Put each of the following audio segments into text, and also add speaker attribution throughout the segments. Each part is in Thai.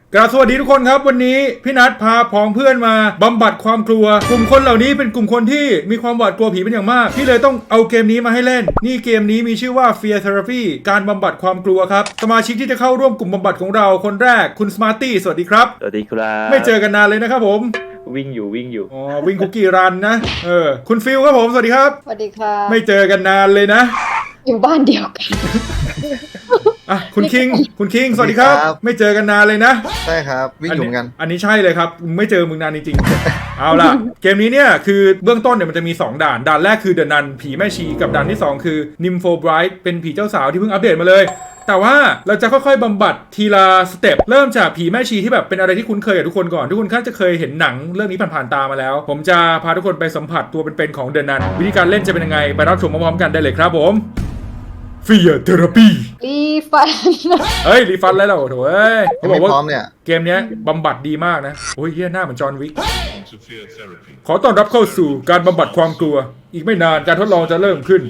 Speaker 1: กราบสวัสดีทุกคนครับวันนี้พี่นัทพาพ้องเพื่อนมาบำบัดความกลัวกลุ่มคนเหล่านี้เป็นกลุ่มคนที่มีความหวาดกลัวผีเป็นอย่างมากพี่เลยต้องเอาเกมนี้มาให้เล่นนี่เกมนี้มีชื่อว่า Fear Therapy การบำบัดความกลัวครับสมาชิกที่จะเข้าร่วมกลุ่มบำบัดของเราคนแรกคุณ Smarty สวัสดีครับ
Speaker 2: สวัสดีครับ
Speaker 1: ไม่เจอกันนานเลยนะครับผม
Speaker 2: วิ่งอยู่
Speaker 1: อ๋อวิ่งคุกกี้รันนะคุณฟิลครับผมสวัสดีครับ
Speaker 3: สวัสดีค่ะ
Speaker 1: ไม่เจอกันนานเลยนะ
Speaker 3: อยู่บ้านเดียวกัน
Speaker 1: อ่ะคุณคิงสวัสดีครับไม่เจอกันนานเลยนะ
Speaker 4: ใช่ครับวิ่งอยู่เหมือนกัน
Speaker 1: อันนี้ใช่เลยครับไม่เจอมึงนานจริงๆ เอาล่ะเกมนี้เนี่ยคือเบื้องต้นเนี่ยมันจะมี2ด่านแรกคือเดอะนันผีแม่ชีกับด่านที่2คือนิมโฟไบรท์เป็นผีเจ้าสาวที่เพิ่งอัปเดตมาเลยแต่ว่าเราจะค่อยๆบำบัดทีละสเต็ปเริ่มจากผีแม่ชีที่แบบเป็นอะไรที่คุ้นเคยกับทุกคนก่อนทุกคนน่าจะเคยเห็นหนังเรื่องนี้ผ่านๆตามาแล้วผมจะพาทุกคนไปสัมผัสตัวเป็นๆของเดอะนันวิธีการเล่นจะเป็นยังไงไปรับชมพร้อมๆกันได้เลยครับผมFear Therapy
Speaker 3: รีฟัน
Speaker 1: เฮ้ยรีฟันแล้วเหรอโถ่เอ้ยเขาบอกว่า
Speaker 4: เนี่ย
Speaker 1: เกมนี้บำบัดดีมากนะโอ้ยเฮียหน้าเหมือนจอห์นวิกขอต้อนรับเข้าสู่การบำบัดความกลัวอีกไม่นานการทดลองจะเริ่มขึ้น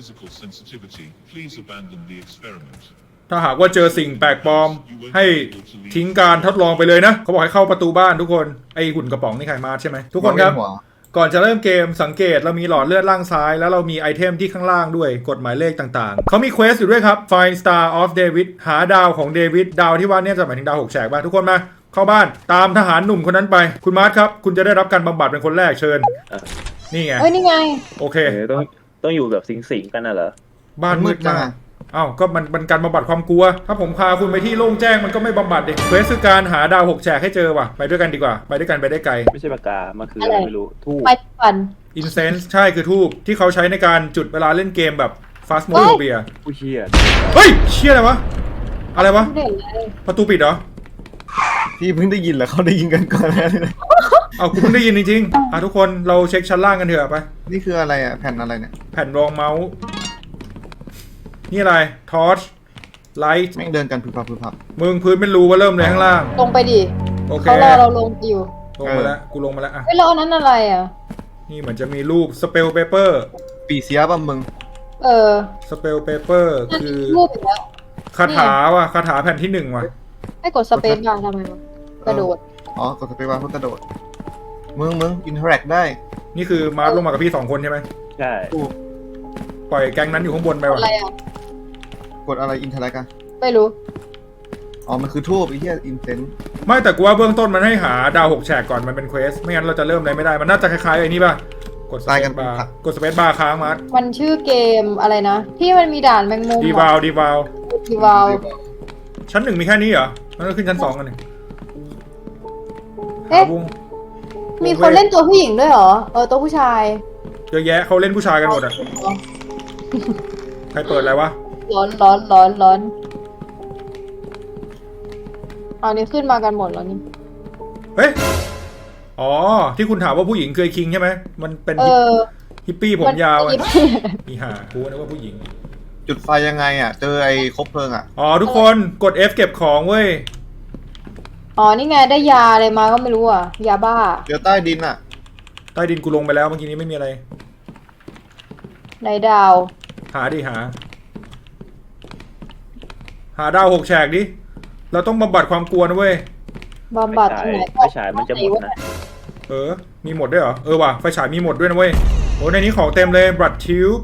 Speaker 1: ถ้าหากว่าเจอสิ่งแปลกปลอมให้ทิ้งการทดลองไปเลยนะเขาบอกให้เข้าประตูบ้านทุกคนไอหุ่นกระป๋องนี่ใครมาใช่ไหมทุกคนครับก่อนจะเริ่มเกมสังเกตเรามีหลอดเลือดล่างซ้ายแล้วเรามีไอเทมที่ข้างล่างด้วยกฎหมายเลขต่างๆเขามีเควสอยู่ด้วยครับ Find Star of David หาดาวของเดวิดดาวที่ว่าเนี่ยจะหมายถึงดาว6แฉกบ้างทุกคนมาเข้าบ้านตามทหารหนุ่มคนนั้นไปคุณมาร์ทครับคุณจะได้รับการบำบัดเป็นคนแรกเชิญนี่ไง
Speaker 3: นี่ไง
Speaker 1: โอเค
Speaker 2: ต้องอยู่แบบสิงกันน่ะเหรอ
Speaker 1: บ้านมืดมากอ้าวก็มันการบำบัดความกลัวถ้าผมพาคุณไปที่โล่งแจ้งมันก็ไม่บำบัดเด็กเควสคือการหาดาว6แฉกให้เจอว่ะไปด้วยกันดีกว่าไปด้วยกันไปได้ไกล
Speaker 2: ไม่ใช่ปากกามาคืออะไรไม่รู้ทูบ
Speaker 3: ไปฟัน
Speaker 1: อินเซนส์ใช่คือทูบที่เขาใช้ในการจุดเวลาเล่นเกมแบบฟาสโมโดเบีย
Speaker 2: ผู้เชี่ย
Speaker 1: เฮ้ยเชี่ยอะไรวะอะไรวะประตูปิดเหรอ
Speaker 4: พี่เพิ่งได้ยินเหรอเขาได้ยินกันก่อนแล้ว
Speaker 1: เอากูเพิ่งได้ยินจริงๆทุกคนเราเช็คชั้นล่างกันเถอะไป
Speaker 4: นี่คืออะไรอ่ะแผ่นอะไรเนี่ย
Speaker 1: แผ่นรองเมาส์นี่อะไรทอร์ชไลท์
Speaker 4: แม่งเดินกันพึบพับ
Speaker 1: มึงพื้นเป็นรูว่าเริ่มเลยข้างล่าง
Speaker 3: ลงไปดิ
Speaker 1: โอเค
Speaker 3: เขารอเราลงอยู่
Speaker 1: ลงมาแล้วกูลงมาแล้วอ่ะ
Speaker 3: ไม่รอนั้นอะไรอ่ะ
Speaker 1: นี่เหมือนจะมีรูปสเปลเปเปอร์
Speaker 4: ปีเสียป่ะมึง
Speaker 1: สเปลเปเปอร์คือ
Speaker 3: รูปอีกแล้ว
Speaker 1: คาถาว่ะคาถาแผ่นที่1ว่ะ
Speaker 3: ให้กดสเปซบาร์ทำไมวะกระโดด
Speaker 4: อ๋อกดสเปซบาร์เพื่อกระโดดมึงอินเทอร์แอคได้
Speaker 1: นี่คือมาร์คลงมากับพี่2คนใช่ไหม
Speaker 2: ใช่
Speaker 1: ปล่อยแก๊งนั้นอยู่ข้างบนไปว่ะ
Speaker 3: อะไรอ่ะ
Speaker 4: กดอะไรอินเทอร์แอคอะ
Speaker 3: ไม่รู้
Speaker 4: อ๋อมันคือทูบไอ้เหี้ยอินเซน
Speaker 1: ไม่แต่กูว่าเบื้องต้นมันให้หาดาว6แฉกก่อนมันเป็นเควสไม่งั้นเราจะเริ่มอะไรไม่ได้มันน่าจะคล้ายๆไอ้นี่ป่ะกดสเปซบาร์ค้างมาร์ค
Speaker 3: มันชื่อเกมอะไรนะที่มันมีด่านแมงมุม
Speaker 1: ดีวาวชั้น1มีแค่นี้เหรอมันก็ขึ้นชั้น2กันหนึ่ง
Speaker 3: เอ๊ะมีคนเล่นตัวผู้หญิงด้วยเหรอตัวผู้ชาย
Speaker 1: เยอะแยะเขาเล่นผู้ชายกันหมดอ่ะใครเปิดอะไรวะ
Speaker 3: ร้อนอันนี้ขึ้นมากันหมดแล้วนี่
Speaker 1: เฮ้ยอ๋อที่คุณถามว่าผู้หญิงเคยคิงใช่ไหมมันเป็นฮิปปี้ผมยาวมีหากูนึกว่าผู้หญิง
Speaker 4: จุดไฟยังไงอ่ะเจอไอ้คบเพลิงอ่ะ
Speaker 1: อ๋อทุกคนกด F เก็บของเว้ย
Speaker 3: อ๋อนี่ไงได้ยาอะไรมาก็ไม่รู้อ่ะยาบ้า
Speaker 4: เดี๋ยวใต้ดินอ่ะ
Speaker 1: ใต้ดินกูลงไปแล้วเมื่อกี้นี้ไม่มีอะไร
Speaker 3: ในดาว
Speaker 1: หาดาว6แฉกดิเราต้องบำบัดความกลัวนะเว้ย
Speaker 3: บำบัดที่ไหน
Speaker 2: ไฟฉายมันจะหมดนะ
Speaker 1: มีหมดด้วยเหรอว่ะไฟฉายมีหมดด้วยนะเว้ยโอ้ในนี้ของเต็มเลยบลัดทิว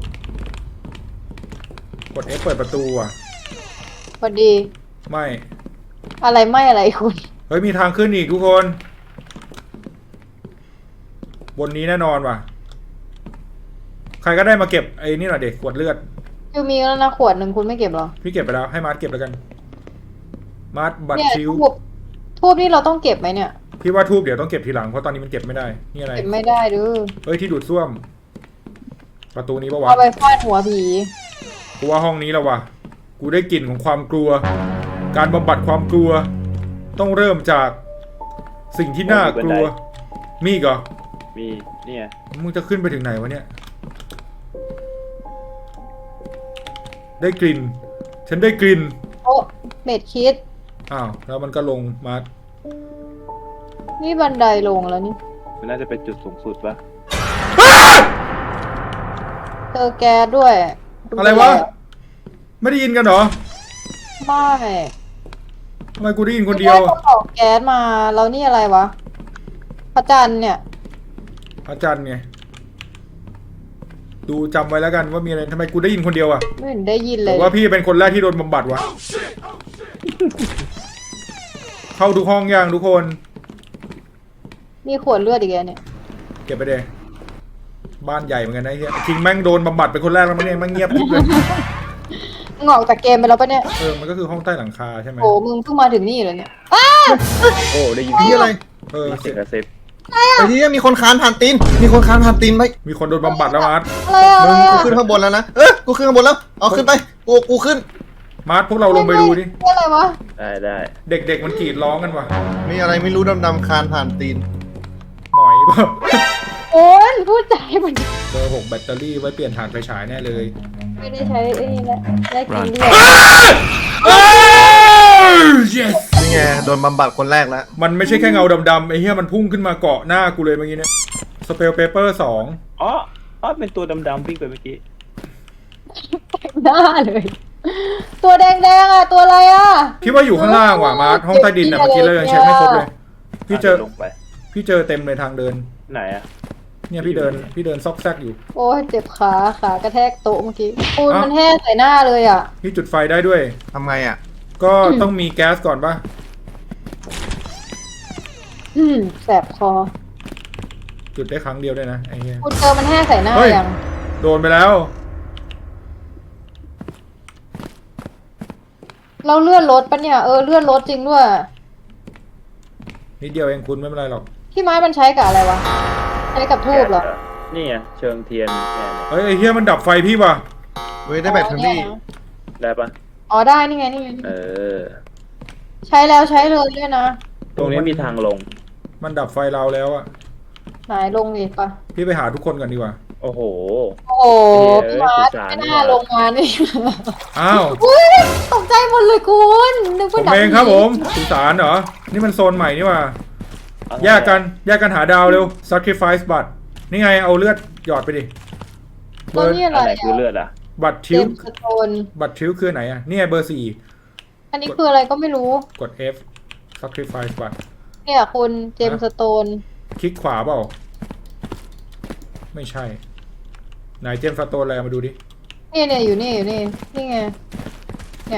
Speaker 1: กด F เปิดประตูอ่ะ
Speaker 3: พอดี
Speaker 1: ไม่
Speaker 3: อะไรคุณ
Speaker 1: เฮ้ยมีทางขึ้นอีกทุกคนบนนี้แน่นอนว่ะใครก็ได้มาเก็บไอ้นี่หน่อยเด็กขวดเลือด
Speaker 3: คือมีแล้วนะขวดหนึ่งคุณไม่เก็บหรอ
Speaker 1: พี่เก็บไปแล้วให้มาร์ทเก็บแล้วกันมาร์ทบัตรชิว
Speaker 3: ทูบนี่เราต้องเก็บไหมเนี่ย
Speaker 1: พี่ว่าทูบเดี๋ยวต้องเก็บทีหลังเพราะตอนนี้มันเก็บไม่ได้นี่อะไร
Speaker 3: เก็บไม่ได้ดู
Speaker 1: เฮ้ยที่ดูดซ่วมประตูนี้ปะวะ
Speaker 3: เอาไปฟาดหัวผี
Speaker 1: กูว่าห้องนี้แล้ววะกูได้กลิ่นของความกลัวการบำบัดความกลัวต้องเริ่มจากสิ่งที่น่ากลัวมีอีกเหรอ
Speaker 2: มีเนี่ย
Speaker 1: มึงจะขึ้นไปถึงไหนวะเนี่ยได้กลิ่นฉันได้กลิ่น
Speaker 3: โอ้เม็ดคิด
Speaker 1: อ้าวแล้วมันก็ลงมา
Speaker 3: นี่บันไดลงแล้วนี่
Speaker 2: มันน่าจะเป็นจุดสูงสุดปะ
Speaker 3: เจอแก๊สด้วย
Speaker 1: อะไรวะไม่ได้ยินกันเหรอ
Speaker 3: ไม่
Speaker 1: ทำไมกูได้ยินคนเดียว
Speaker 3: ไม่ออกแก๊สมาแล้วนี่อะไรวะพระจันทร์เนี่ย
Speaker 1: พระจันทร์ไงดูจำไว้แล้วกันว่ามีอะไรทำไมกูได้ยินคนเดียวอะ
Speaker 3: ไม่เห็นได้ยิน
Speaker 1: ห
Speaker 3: เล
Speaker 1: รื
Speaker 3: ย
Speaker 1: อว่าพี่เป็นคนแรกที่โดนบำบัดวะเข้าทุกห้องยังทุกคน
Speaker 3: มีขวดเลือดอีกแล้วเนี่ย
Speaker 1: เก็บไปเลยบ้านใหญ่เหมือนกันนะไอ้เฮียคิงแม่งโดนบำบัดเป็นคนแรกแล้วมั้งเนี่ยแม่งเงียบกริบเลย
Speaker 3: มึงออกจากเกมไปแล้วปะเนี่ย
Speaker 1: มันก็คือห้องใต้หลังคาใช่ไหม
Speaker 3: โอ้มึงเพิ่งมาถึงนี่เลยเนี่ย
Speaker 2: โอ้ได้ยิน
Speaker 4: นี่อะไร
Speaker 2: เสียงกระซิบ
Speaker 4: ไอ้ที่มีคนคานผ่านตีนมีคนคานผ่านตีนไป
Speaker 1: มีคนโดนบำบัดแล้วมาร์ท
Speaker 3: อะไรอะ
Speaker 4: มึ
Speaker 3: ไรง
Speaker 4: กู
Speaker 3: อะ
Speaker 4: ขึ้นข้างบนแล้วนะกูขึ้นข้างบนแล้วเอาขึ้นไปกูขึ้น
Speaker 1: มาร์ทพวกเราลงไปดูดิ
Speaker 3: นี่อะไรวะ
Speaker 2: ได้
Speaker 1: เด็กๆมันกรีดร้องกันว่ะ
Speaker 4: มีอะไรไม่รู้ดำๆคานผ่านตีน
Speaker 1: หมอยเปล่า
Speaker 3: โอ้ยพูดใจมัน
Speaker 1: เบอร์6แบตเตอรี่ไว้เปลี่ยนถ่านไฟฉายแน่เลย
Speaker 3: ไม่ได้ใช้ไอ้นี่แหละได้กินเลือด
Speaker 1: yes
Speaker 4: นี่ไงโดนบำบัดคนแรกแล้ว
Speaker 1: มันไม่ใช่แค่เงาดำๆไอ้เหี้ยมันพุ่งขึ้นมาเกาะหน้ากูเลยเมื่อกี้เนี่ยสเปลเปเปอร์2
Speaker 2: อ๋อเป็นตัวดำๆวิ่งไปเมื่อกี้
Speaker 3: เต็มหน้าเลย ตัวแดงๆอะตัวอะไรอะ
Speaker 1: พี่ว่าอยู่ข้างล่างว่ะมาร์ทห้องใต้ดินน่ะเมื่อกี้เรายังเช็คไม่ครบเลยพี่เจอ
Speaker 2: ลงไป
Speaker 1: พี่เจอเต็มเลยทางเดิน
Speaker 2: ไหนอะ
Speaker 1: เนี่ยพี่เดินซอกแซกอยู่
Speaker 3: โอ้ยเจ็บขากระแทกโต๊ะเมื่อกี้ปูน
Speaker 1: เอ้ามั
Speaker 3: มันแห้งใส่หน้าเลยอะ
Speaker 1: พี่จุดไฟได้ด้วย
Speaker 4: ทำไงอ่ะ
Speaker 1: ก็ต้องมีแก๊สก่อนป่ะ
Speaker 3: แสบคอ
Speaker 1: จุดได้ครั้งเดียวด้วยนะไอ้เหี้ย
Speaker 3: คุณเจอมันแห้งใส่หน้า
Speaker 1: เฮ้ย
Speaker 3: ยัง
Speaker 1: โดนไปแล้ว
Speaker 3: เราเลื่อนรถปะเนี่ยเลื่อนรถจริงด้วย
Speaker 1: นิดเดียวเองคุณไม่เป็นไรหรอก
Speaker 3: ที่ไม้มันใช้กับอะไรวะใช้กับทูบเหรอ
Speaker 2: นี่ไงเชิงเทียนเนี่ย
Speaker 1: เฮ้ยไอ้เหี้ยมันดับไฟพี่ว่ะ
Speaker 4: เว้ยได้แบตเตอรี่
Speaker 2: ได้ปะ
Speaker 3: อ๋อได้นี่ไงนี่ไง
Speaker 2: เออ
Speaker 3: ใช้แล้วใช้เลยด้วยนะ
Speaker 2: ตรงนี้มีทางลง
Speaker 1: มันดับไฟเราแล้วอะ
Speaker 3: ไหนลงดิปะ
Speaker 1: พี่ไปหาทุกคนก่อนดีกว่า
Speaker 2: โอ้โห
Speaker 3: โอ้โห
Speaker 2: เอ้ย
Speaker 3: พี่มาร์ท
Speaker 2: สื่อสาร
Speaker 3: ไม่น่าลงมานี่
Speaker 1: อ้าว
Speaker 3: อุ้ยตกใจหมดเลยคุณนึก
Speaker 1: ผ
Speaker 3: ว่าม หนัง
Speaker 1: เองครับผมสุสานเหรอ นี่มันโซนใหม่นี่ว่ะแยกกันหาดาวเร็ว sacrifice บัตรนี่ไงเอาเลือดหยอดไปดิ
Speaker 3: ตัวนี้อะไร
Speaker 2: อันไหนคือ
Speaker 3: อะ
Speaker 2: เลือดอ่ะ
Speaker 1: บัตร
Speaker 3: เจ
Speaker 1: ทิว
Speaker 3: มส์สโตน
Speaker 1: บัตรทิวคือไหนอะนี่ไงเบอร์
Speaker 3: อันนี้คืออะไรก็ไม่รู้
Speaker 1: 4 กด F sacrifice บัตร
Speaker 3: เนี่ยคุณเจมส์สโตน
Speaker 1: คลิกขวาเปล่า ไม่ใช่ ไหนเจมส์สโตนอะไรมาดูดิ
Speaker 3: เนี่ยอยู่นี่นี่ไงเนี่ย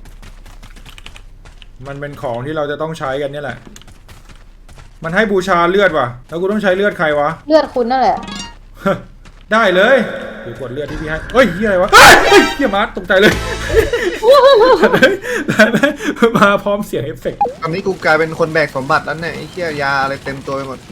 Speaker 1: มันเป็นของที่เราจะต้องใช้กันเนี่ยแหละ มันให้บูชาเลือดว่ะ แล้วกูต้องใช้เลือดใครวะ
Speaker 3: เลือดคุณนั่นแหละ
Speaker 1: ได้เลยเดี๋ยวกดเลือดที่พี่ให้เฮ้ยเฮียอะไรวะเฮียมาร์ตตกใจเลย มาพร้อมเสียงเอฟเฟกต์
Speaker 4: ตอนนี้กูกลายเป็นคนแบกสมบัติแล้วเนี่ยไอ้เหี้ยยาอะไรเต็มตัวไปหมด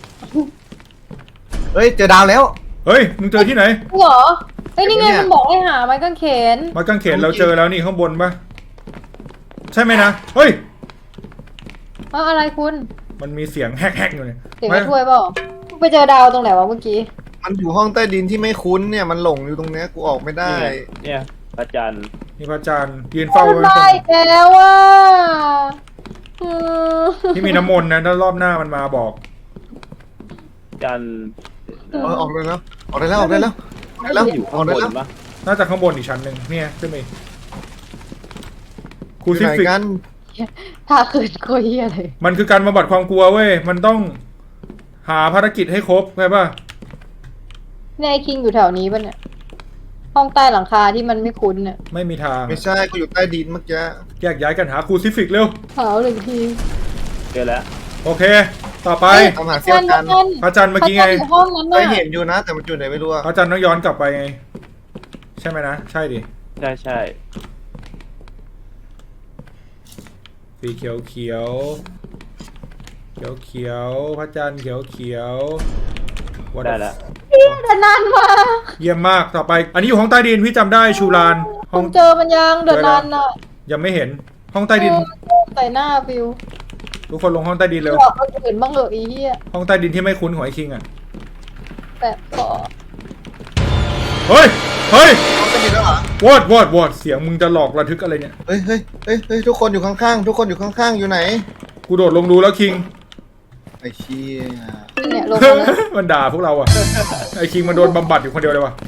Speaker 4: เฮ้ยเจอดาวแล้ว
Speaker 1: เฮ้ยมึงเจอที่ไหน
Speaker 3: จริงเหรอเฮ้ยนี่ไง
Speaker 4: เนี่ย
Speaker 3: มันบอกให้หาไม้กางเขน
Speaker 1: ไม้กางเขนเราเจอแล้วนี่ข้างบนปะใช่ไหมนะเฮ้ย
Speaker 3: อะไรคุณ
Speaker 1: มันมีเสียงแฮกๆอยู่เนี่ย
Speaker 3: เสียงไม่ถ้วยเปล่าไปเจอดาวตรงไหนวะเมื่อกี้
Speaker 4: มันอยู่ห้องใต้ดินที่ไม่คุ้นเนี่ยมันหลงอยู่ตรงเนี้ยกูออกไม่ได้
Speaker 2: เนี่ยพระจันทร์
Speaker 1: นี่พระจันทร์ยืนเฝ้า
Speaker 3: คุณ
Speaker 1: ไว้
Speaker 3: มาอีกแล้วอ่ะอืม
Speaker 1: ที่มีน้ำมนต์นะถ้ารอบหน้ามันมาบอก
Speaker 2: จันทร์
Speaker 4: ออกได้แล้วออกได้แล้วออกได้แล้วออกได้แล้ว
Speaker 2: อยู่
Speaker 4: อ
Speaker 2: ข้า
Speaker 4: อก
Speaker 2: งบ
Speaker 4: ได้
Speaker 2: น
Speaker 4: แล้ว
Speaker 2: ปะ
Speaker 1: น่าจะข้างบนอีกชั้นหนึ่งเนี่ยขึ้นไปอีกครู
Speaker 4: อยู่
Speaker 1: ซิ
Speaker 4: ไหน
Speaker 1: ฟิก
Speaker 4: กัน
Speaker 3: ถ้าคืนโคตรเหี้ยเลย
Speaker 1: มันคือการบำบัดความกลัวเว้ยมันต้องหาภารกิจให้ครบใช่ปะ
Speaker 3: เนี่ยไอ้คิงอยู่แถวนี้ป่ะเนี่ย ห้องใต้หลังคาที่มันไม่คุ้นเนี่ย
Speaker 1: ไม่มีทาง
Speaker 4: ไม่ใช่กูอยู่ใต้ดินเมื่อกี้
Speaker 1: แยกย้ายกันหาครูซิฟิกเร็ว
Speaker 3: ขาวหนึ่งที
Speaker 2: เจอแล้ว
Speaker 1: โอเค ต่อไป
Speaker 4: ตามหาเสี้ยวกัน
Speaker 1: พระจันทร์เมื่อกี้ไง
Speaker 3: พระจันทร์อยู่ห้องนั้น
Speaker 4: เค
Speaker 3: น่ะ
Speaker 4: ยเห็นอยู่นะ แต่มันอยู่ไหนไม่รู้อะ
Speaker 1: พระจันทร์ต้องย้อนกลับไปไง ใช่ไหมนะ ใช่ดิ
Speaker 2: ใช่
Speaker 1: สีเขียวเขียวเขียวเขียวพระจันทร์เขียวเขียว What
Speaker 2: ได้
Speaker 1: the-
Speaker 2: แล้ว
Speaker 3: แต่นานมาก
Speaker 1: เยี่ยมมากต่อไป อันนี้อยู่ห้องใต้ดินพี่จำได้ชูลานห้
Speaker 3: คุ
Speaker 1: อง
Speaker 3: ณเจอมันยังเดือนนั้นน่ะ
Speaker 1: ยังไม่เห็นห้องใต้ดิน
Speaker 3: ใส่หน้าฟิว
Speaker 1: ทุกคนลงห้องใต้ดินเร็ว
Speaker 3: บอกคนอื่นบ้างเหอะอีเหี้ย
Speaker 1: ห้องใต้ดินที่ไม่คุ้นของไอ้คิงอ่ะ
Speaker 3: แต่ขอ
Speaker 1: เฮ้ยเฮ้ย
Speaker 4: ห้องใต้ดินแล้วเหรอ
Speaker 1: วอดเสียงมึงจะหลอกระทึกอะไรเนี่ย
Speaker 4: เฮ้ยเฮ้ยเฮ้ยเฮ้ยทุกคนอยู่ข้างๆทุกคนอยู่ข้างๆอยู่ไหน
Speaker 1: กูโดดลงดูแล้วคิง
Speaker 4: ไอ้เชี่ย
Speaker 3: เนี่ยลงมาแล้ว
Speaker 1: มันด่าพวกเราอ่ะ ไอ้คิงมันโดนบำบัดอยู่คนเดียวเลยว่ะ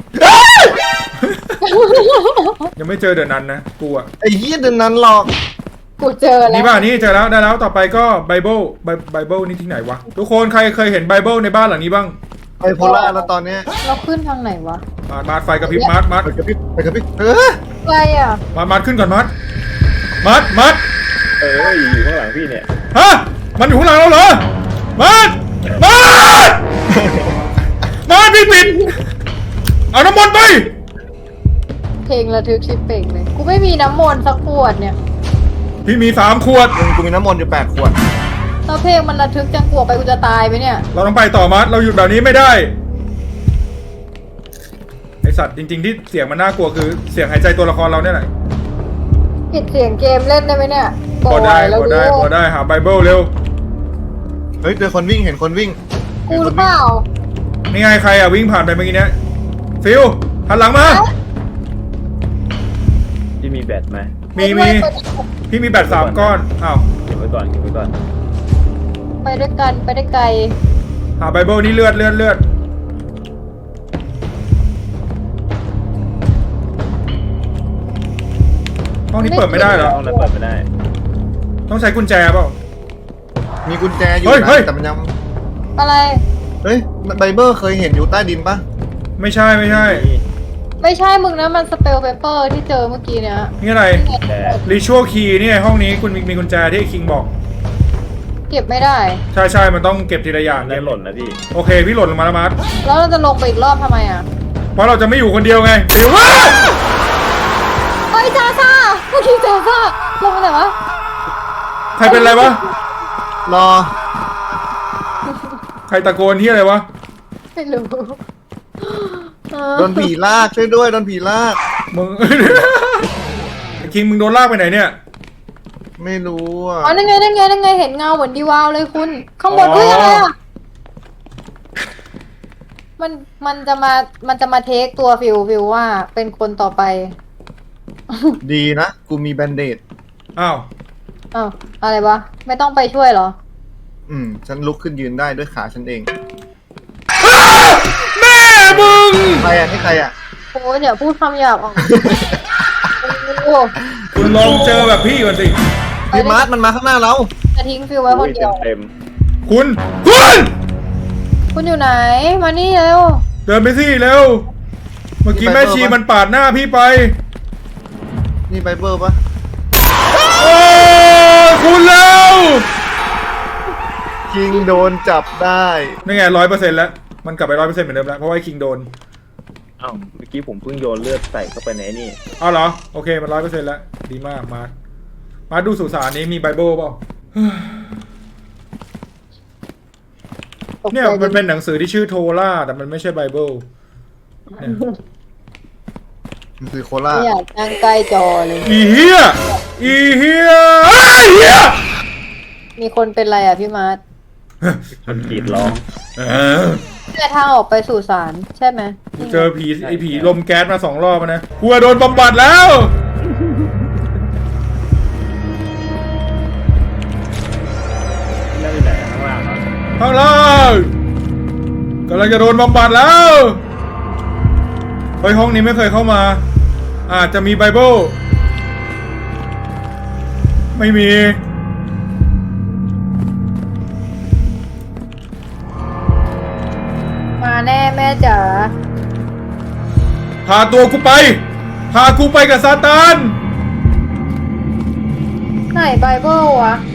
Speaker 1: ยังไม่เจอเดี๋ยวนั้นนะกูอ่ะ
Speaker 4: ไอ้เหี้ยเดินนั้นหลอก
Speaker 3: กูเจอแล้ว
Speaker 1: นี่ป่ะนี่เจอแล้วได้แล้วต่อไปก็ไบเบิลนี่ที่ไหนวะทุกคนใครเคยเห็นไบเบิลในบ้านหลังนี้บ้าง
Speaker 4: ไบโพล่าแล้วตอนเนี้ย
Speaker 3: เราขึ้นทางไหนวะ
Speaker 1: มาร์ทไฟกระพริบมาร์ท
Speaker 4: ไปกระพริบไปกระพริบ
Speaker 3: อะไรอ่ะ
Speaker 1: มาร์ทขึ้นก่อนมาร์ท
Speaker 2: อยู่ข้างหลังพี่เนี่ย
Speaker 1: ฮะมันอยู่ข้างหลังเราเหรอมาร์ทพี่ปิดเอาน้ำมนต์ไป
Speaker 3: เพลงระทึกชิบเป่งเลยกูไม่มีน้ำมนต์สักขวดเนี่ย
Speaker 1: พี่มี3 ขวด
Speaker 4: กูมีน้ำมนต์อยู่8 ขวด
Speaker 3: แล้วเพลงมันระทึกจังกลัวไปกูจะตายไหมเนี่ย
Speaker 1: เราต้องไปต่อมาร์ทเราหยุดแบบนี้ไม่ได้ไอสัตว์จริงๆที่เสียงมันน่ากลัวคือเสียงหายใจตัวละครเราเนี่ยแหละ
Speaker 3: ปิดเสียงเกมเล่นได้ไหมเนี่ย
Speaker 1: พอได้
Speaker 3: แล้ว
Speaker 1: พอได้หาไบเบิลเร็ว
Speaker 4: เฮ้ยเจอคนวิ่งเห็นคนวิ่ง
Speaker 3: กูหรือเปล่า
Speaker 1: นี่ไงใครวิ่งผ่านไปเมื่อกี้เนี้ยฟิวหันหลังมา
Speaker 2: พี่มีแบตไหม
Speaker 1: มีพี่มีแบต3 ก้อนอ้าว
Speaker 2: เก็บไว้ก่อน
Speaker 3: ไปด้วยกันไปได้ไกล
Speaker 1: หาไบเบิลนี่เลือดห้องนี้เปิดไม่ได้เหรอ
Speaker 2: ห้องนั้นเปิดไม่ได้
Speaker 1: ต้องใช้กุญแจเปล่า
Speaker 4: มีกุญแจอยู่
Speaker 1: เฮ้ย
Speaker 4: นะแต่มันยัง
Speaker 3: อะไร
Speaker 4: เฮ้ยไบเบิลเคยเห็นอยู่ใต้ดินปะ
Speaker 1: ไม่ใช่
Speaker 3: ไม่ใช่มึงนะมันสเปลเปเปอร์ที่เจอเมื่อกี้เนี่ย
Speaker 1: นี่อะไร
Speaker 2: แต่
Speaker 1: รีชัวคีย์นี่ไงห้องนี้คุณมีกุญแจที่ไอ้คิงบอก
Speaker 3: เก็บไม่ได้
Speaker 1: ใช่มันต้องเก็บทีละอย่าง
Speaker 2: นั่นหล่นนะพี่
Speaker 1: โอเคพี่หล่นลงมาแล้วมาร์ท
Speaker 3: แล้วเราจะลงไปอีกรอบทำไมอ่ะ
Speaker 1: เพราะเราจะไม่อยู่คนเดียวไงฟิว
Speaker 3: เฮ้ยจ้าซ่าเมื่อกี้จ้าซ่าลงไปไหนวะ
Speaker 1: ใครเป็นอะไรวะ
Speaker 4: รอ
Speaker 1: ใครตะโกนที่อะไรวะ
Speaker 3: ไม่รู้
Speaker 4: โดนผีลากช่วยด้วยโดนผีลาก
Speaker 1: มึง ไอ้คิงมึงโดนลากไปไหนเนี่ย
Speaker 4: ไม่รู้อ่ะ
Speaker 3: อ๋อนั่นไงเห็นเงาเหมือนดีวาวเลยคุณข้างบน
Speaker 1: อ๋อ
Speaker 3: เฮ้ยอะไรอ่ะมันจะมาเทคตัวฟิวว่าเป็นคนต่อไป
Speaker 4: ดีนะกูมีแบนเดด
Speaker 1: อ้าว
Speaker 3: อ้าวอะไรวะไม่ต้องไปช่วยเหรอ
Speaker 4: ฉันลุกขึ้นยืนได้ด้วยขาฉันเอง
Speaker 1: แม่มึง
Speaker 4: ใครอ่ะนี่ใครอ่ะ
Speaker 3: โอ้ยอย่าพูดคำหยาบออกโอ้
Speaker 1: คุณลองเจอแบบพี่ก่อนสิ
Speaker 4: พี่มาร์ทมันมาข้างหน้าเรา
Speaker 3: จะทิ้งฟิวไว้คนเดียว
Speaker 2: เต็ม
Speaker 3: คุณอยู่ไหนมานี่เร็ว
Speaker 1: เดินไปสิเร็ว เมื่อกี้แม่ชีมันปาดหน้าพี่ไป
Speaker 4: นี่ไบเบิลปะ
Speaker 1: โอ้คุณเร็ว
Speaker 4: คิงโดนจับได้
Speaker 1: นี่ไง100%แล้ว มันกลับไป100%เหมือนเดิมแล้ว เพราะว่าไอ้คิงโดน
Speaker 2: ๆอ้าวเมื่อกี้ผมเพิ่งโยนเลือดใส่เข้าไปในนี่
Speaker 1: เอาเหรอ โอเค มัน100%แล้ว ดีมาก มาดูสุสานนี้มีไบเบิลเปล่า เนี่ยมันเป็นหนังสือที่ชื่อโทราแต่มันไม่ใช่ไบเบิลเนี่ย
Speaker 4: มันคือโคราช
Speaker 3: ไม่อยากนั่งใกล้จอเลย
Speaker 1: อีเฮียไอ้เฮีย
Speaker 3: มีคนเป็นไรอ่ะพี่มาร์ท
Speaker 2: คนกรีดร้อง
Speaker 3: แต่ทางออกไปสู่ศาลใช่ไหม
Speaker 1: กูเจอผีไอ้ผีลมแก๊สมา2 รอบแล้วนะกูโดนบำบัดแล้ว
Speaker 2: นั่นอยู่ไหนข้างล่างเหรอ
Speaker 1: ข้างล่างกำลังจะโดนบำบัดแล้วเฮ้ยห้องนี้ไม่เคยเข้ามา อาจจะมีไบเบิลไม่มี
Speaker 3: มาแน่แม่จ๋า
Speaker 1: พาตัวกูไป พากูไปกับซาตาน
Speaker 3: ไหนไบเบิลวะ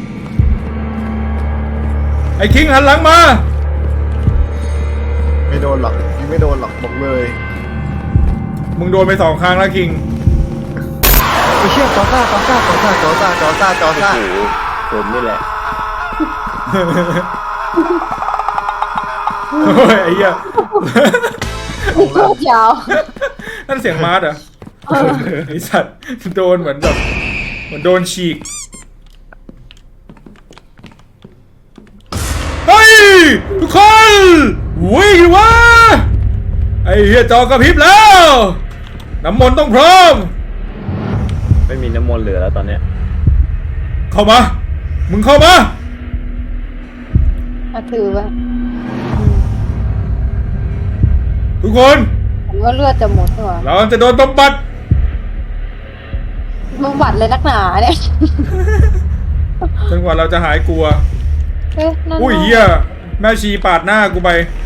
Speaker 1: ไอ้คิงหันหลังมา
Speaker 4: ไม่โดนหรอกคิงไม่โดนหรอกบอกเลย
Speaker 1: มึงโดนไป2 ครั้งแล้วคิง
Speaker 4: ไอ้เชี่ยจอซ่า
Speaker 2: โอ้โหผมนี่แหละ
Speaker 1: โอ้ยไอ้เหี้ย
Speaker 3: โคตรยาว
Speaker 1: นั่นเสียงมาร์ทเหรอไอ้สัตว์โดนเหมือนแบบเหมือนโดนฉีก เฮ้ย ทุกคนวิ่งดิวะไอ้เหี้ยจอกระพริบแล้ว น้ำมนต์ต้องพร้อม
Speaker 2: ไม่มีน้ำมนต์เหลือแล้วตอนเนี้ย
Speaker 1: เข้ามา มึงเข้ามา
Speaker 3: ถือไว้
Speaker 1: ทุกคน
Speaker 3: ผมว่าเลือดจะหมดใช่ไหม
Speaker 1: เราจะโดนบำบัด
Speaker 3: บำบัดเลยนักหนาเนี่ย
Speaker 1: จนกว่าเราจะหายกลัว
Speaker 3: เอ๊ะนั่น
Speaker 1: อุ้ยเหี้ยแม่ชีปาดหน้ากูไป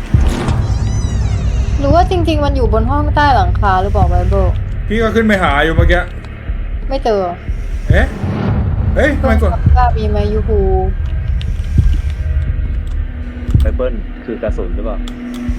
Speaker 3: หรือว่าจริง ๆ มันอยู่บนห้องใต้หลังคาหรือเปล่าไบเบิล
Speaker 1: พี่ก็ขึ้นไปหาอยู่เมื่อกี้
Speaker 3: ไม่เจอ
Speaker 1: เอ๊ะเฮ้ยทำไมกด
Speaker 3: กล้ามีไหมยูฮู
Speaker 2: ไบเบิลคือกระสุนหรือเปล่า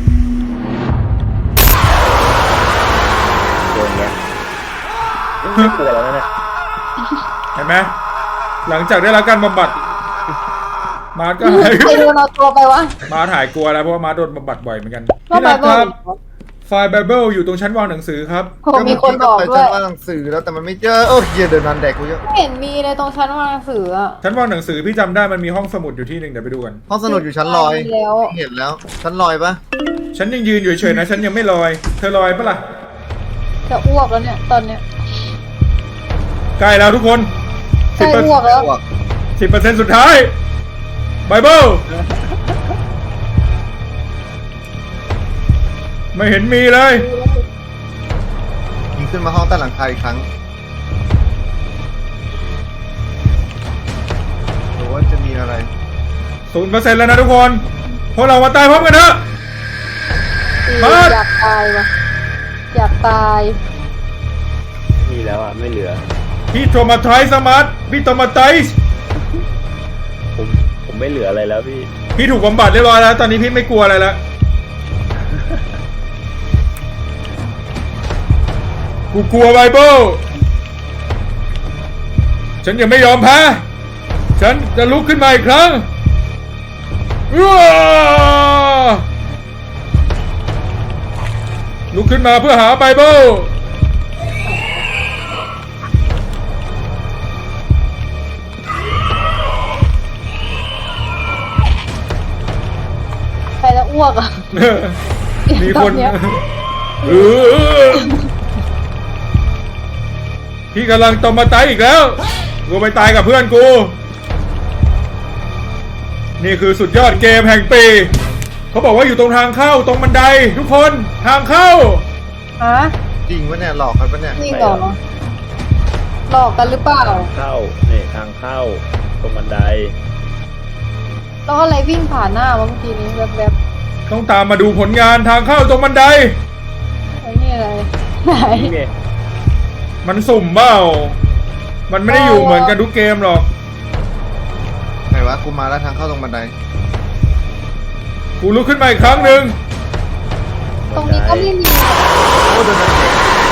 Speaker 2: ตัวเนี้ยไม่กลัวแล้วนะเนี่ย
Speaker 1: เห็นไหมหลังจากได้รับการบำบัดมาร์ทก็หาย
Speaker 3: ใครโดนเอาตัวไปวะ
Speaker 1: มาร์ทหายกลัวแล้วเพราะว่ามาร์ทโดนบำบัดบ่อยเหมือนกัน
Speaker 3: ว่า
Speaker 1: พี่นัท
Speaker 3: ไบเบิ
Speaker 1: ค
Speaker 3: ล
Speaker 1: รับไฟล์ไบเบิลอยู่ตรงชั้นวางหนังสือครับ
Speaker 3: ผมมีคนบอก
Speaker 4: ไป
Speaker 3: ด้ว
Speaker 4: ชั้
Speaker 3: ย
Speaker 4: นว่าหนังสือแล้วแต่มันไม่เจอเออเฮียเดินนานแดกกูเยอะ
Speaker 3: ไม่เห็นมีเลยตรงชั้นวางหนังสืออะ
Speaker 1: ชั้นวางหนังสือพี่จำได้มันมีห้องสมุดอยู่ที่หนึ่งเดี๋ยวไปดูกัน
Speaker 4: ห้องสนุดอยู่ชั้นลอย
Speaker 3: มีแล้ว
Speaker 4: เห็นแล้วชั้นลอยปะ
Speaker 1: ฉันยังยืนอยู่เฉยๆนะฉันยังไม่ลอย เธอลอยปะล่ะ
Speaker 3: จะอ้วกแล้วเนี่ยตอนเนี้ย
Speaker 1: ใกล้แล้วทุกคน
Speaker 3: ใกล้อ้วกแล้ว
Speaker 4: อ้วก
Speaker 1: 10%สุดท้ายไบเบิลไม่เห็นมีเลย
Speaker 4: ยิงขึ้นมาห้องใต้หลังคาอีกครั้งหรือว่าจะมีอะไร
Speaker 1: 0%แล้วนะทุกคนพวกเรามาตายพร้อมกันเถอะ มาด
Speaker 3: อยากตายวะอยากตาย
Speaker 2: มีแล้วอ่ะไม่เหลือ
Speaker 1: พี่โทมาไทส์มาร์ทพี่โทมาไทส์
Speaker 2: ผมไม่เหลืออะไรแล้วพี่
Speaker 1: พี่ถูกบำบัดเรียบร้อยแล้ว ตอนนี้พี่ไม่กลัวอะไรแล้ว กูกลัวไบเบิลฉันยังไม่ยอมแพ้ ฉันจะลุกขึ้นมาอีกครั้งอ้าลุกขึ้นมาเพื่อหาไบเบิล
Speaker 3: ใครจะอ้วกอ่ะ
Speaker 1: มีคน
Speaker 3: ตอนเนี้ย
Speaker 1: เออพี่กำลังตอมมาตายอีกแล้ว กูไปตายกับเพื่อนกู นี่คือสุดยอดเกมแห่งปี เขาบอกว่าอยู่ตรงทางเข้าตรงบันไดทุกคนทางเข้า
Speaker 3: ฮะ
Speaker 4: จริงวะเนี่ยหลอกกันปะเนี่ย
Speaker 3: จริงเหรอหลอกกันหรือเปล่า
Speaker 2: เข้านี่ทางเข้าตรงบันได
Speaker 3: แล้วอะไรวิ่งผ่านหน้าวะเมื่อกี้นี้แวบ
Speaker 1: ต้องตามมาดูผลงานทางเข้าตรงบันได
Speaker 3: ๆไอ้นี่อะไรไหน
Speaker 2: นี่ไง
Speaker 1: มันสุ่มเปล่ามันไม่ได้อยู่เหมือนกันทุกเกมหรอก
Speaker 4: ไหนวะกูมาแล้วทางเข้าตรงบันได
Speaker 1: กูลุกขึ้นมาอีกครั้งหนึ่ง
Speaker 3: ตรงนี้ก็ไม่มี
Speaker 4: โอ้เดินนานแดก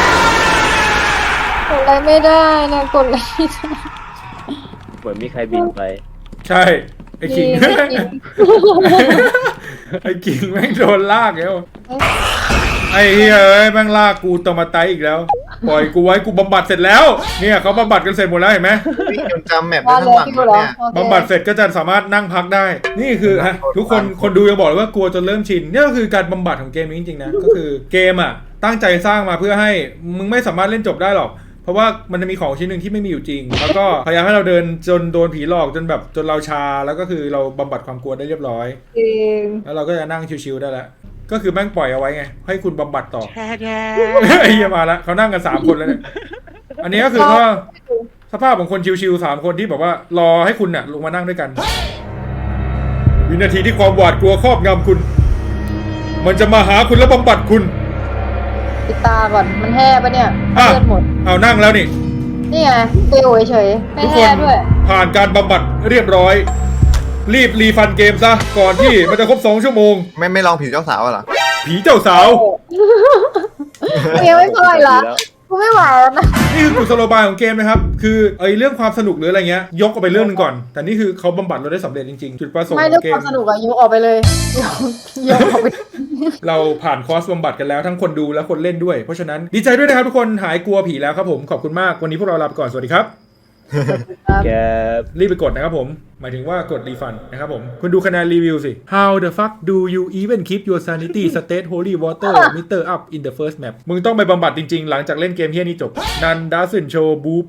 Speaker 3: กดอะไรไม่ได้นะกดอะไรไม่ได้
Speaker 2: เหมือนมีใครบินไป
Speaker 1: ใช่ไอ้ขิง
Speaker 3: ไม่กิน
Speaker 1: ไอ้กิ่งแม่งโดนลากแล้ว ไอ้เฮ้ยเอ้ยแม่งลากกูตอมาไตอีกแล้ว ปล่อยกูไว้กูบำบัดเสร็จแล้ว เนี่ยเขาบำบัดกันเสร็จหมดแล้วเห็นไหม
Speaker 4: วิ่งจนจำแมปได้
Speaker 3: ว่า
Speaker 4: ทั้
Speaker 3: แล้
Speaker 4: ง
Speaker 3: ว
Speaker 4: หลัง
Speaker 3: พี่
Speaker 4: แล้ว
Speaker 3: เหรอ
Speaker 4: เนี่ย
Speaker 3: โอเค
Speaker 1: บำบัดเสร็จก็จะสามารถนั่งพักได้ นี่คือฮะทุกคนดูยังบอกเลยว่ากลัวจนเริ่มชินนี่ก็คือการบำบัดของเกมนี้จริงๆนะ ก็คือเกมอ่ะตั้งใจสร้างมาเพื่อให้มึงไม่สามารถเล่นจบได้หรอก เพราะว่ามันจะมีของชิ้นหนึ่งที่ไม่มีอยู่จริง แล้วก็พยายามให้เราเดินจนโดนผีหลอกจนแบบจนเราชาแล้วก็คือเราบำบัดความกลัวได้เรียบร้อย
Speaker 3: เอง
Speaker 1: แล้วเราก็จะนั่งชิวๆได้แล้ว ก็คือแม่งปล่อยเอาไว้ไง ให้คุณบำบัดต่อ ไอ้เหี้ยมาแล้วเขานั่งกัน3คนแล้วเนี่ย อันนี้ก็คือว่าสภาพของคนชิวๆ3คนที่แบบว่ารอให้คุณน่ะลงมานั่งด้วยกัน วินาทีที่ความหวาดกลัวครอบงำคุณ มันจะมาหาคุณแล้วบำบัดคุณ
Speaker 3: ปิดตาก่อนมันแห่ปะเนี่ย
Speaker 1: อ่ะ
Speaker 3: เลือดหมด
Speaker 1: เอานั่งแล้วนี่
Speaker 3: นี่ไงเตียวเฉยๆไม่
Speaker 1: ทุกค
Speaker 3: แห่
Speaker 1: น
Speaker 3: ด้วย
Speaker 1: ผ่านการบำบัดเรียบร้อย รีบรีฟันเกมซะก่อนที่มันจะครบ2 ชั่วโมง
Speaker 4: ไม่ลองผีเจ้าสาวอะเหรอ
Speaker 1: ผีเจ้าสาว
Speaker 3: กูยังไม่พออีกเหรอกูไม่ไหวแล้วนะ
Speaker 1: นี่คือกุศโลบายของเกมนะครับ คือไอ้เรื่องความสนุกหรืออะไรเงี้ย ยกออกไปเรื่องหนึงก่อน แต่นี่คือเขาบำบัดเราได้สำเร็จจริงๆ จุดประสงค์
Speaker 3: ไม่
Speaker 1: ข
Speaker 3: เรื่
Speaker 1: อ
Speaker 3: อง
Speaker 1: งเก
Speaker 3: ความ มสนุกอะยกออกไปเลยยกออกไป
Speaker 1: เราผ่านคอร์สบำบัดกันแล้วทั้งคนดูและคนเล่นด้วย เพราะฉะนั้นดีใจด้วยนะครับทุกคนหายกลัวผีแล้วครับผมขอบคุณมากวันนี้พวกเราลาไปก่อนสวัสดีครับ
Speaker 2: แก
Speaker 1: รีบไปกดนะครับผม หมายถึงว่ากดรีฟันนะครับผม คุณดูคะแนนรีวิวสิ How the fuck do you even keep your sanity state holy water meter up in the first map มึงต้องไปบำบัดจริงๆ หลังจากเล่นเกมเฮี้ยนี้จบ None doesn't show boobs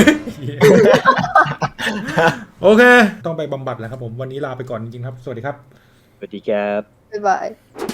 Speaker 1: โอเค ต้องไปบำบัดแล้วครับผม วันนี้ลาไปก่อนจริงๆครับ สวัสดีครับ
Speaker 2: สวัสดีแก
Speaker 3: บ๊ายบาย